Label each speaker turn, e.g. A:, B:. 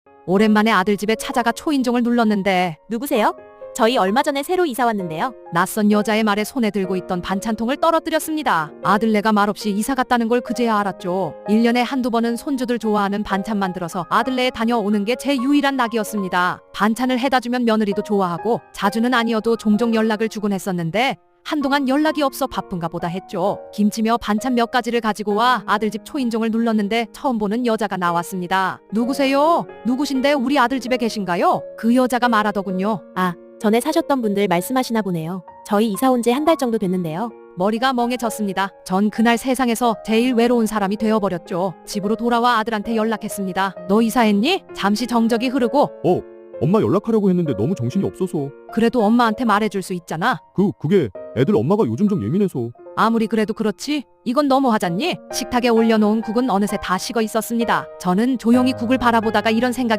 A: 오랜만에 아들 집에 찾아가 초인종을 눌렀는데
B: 누구세요? 저희 얼마 전에 새로 이사 왔는데요.
A: 낯선 여자의 말에 손에 들고 있던 반찬통을 떨어뜨렸습니다. 아들네가 말없이 이사 갔다는 걸 그제야 알았죠. 1년에 한두 번은 손주들 좋아하는 반찬 만들어서 아들네에 다녀오는 게 제 유일한 낙이었습니다. 반찬을 해다주면 며느리도 좋아하고 자주는 아니어도 종종 연락을 주곤 했었는데 한동안 연락이 없어 바쁜가 보다 했죠. 김치며 반찬 몇 가지를 가지고 와 아들 집 초인종을 눌렀는데 처음 보는 여자가 나왔습니다. 누구세요? 누구신데 우리 아들 집에 계신가요? 그 여자가 말하더군요.
B: 아, 전에 사셨던 분들 말씀하시나 보네요. 저희 이사 온 지 한 달 정도 됐는데요.
A: 머리가 멍해졌습니다. 전 그날 세상에서 제일 외로운 사람이 되어버렸죠. 집으로 돌아와 아들한테 연락했습니다. 너 이사했니? 잠시 정적이 흐르고
C: 엄마 연락하려고 했는데 너무 정신이 없어서.
A: 그래도 엄마한테 말해줄 수 있잖아.
C: 그게 애들 엄마가 요즘 좀 예민해서.
A: 아무리 그래도 그렇지 이건 너무하잖니? 식탁에 올려놓은 국은 어느새 다 식어 있었습니다. 저는 조용히 국을 바라보다가 이런 생각이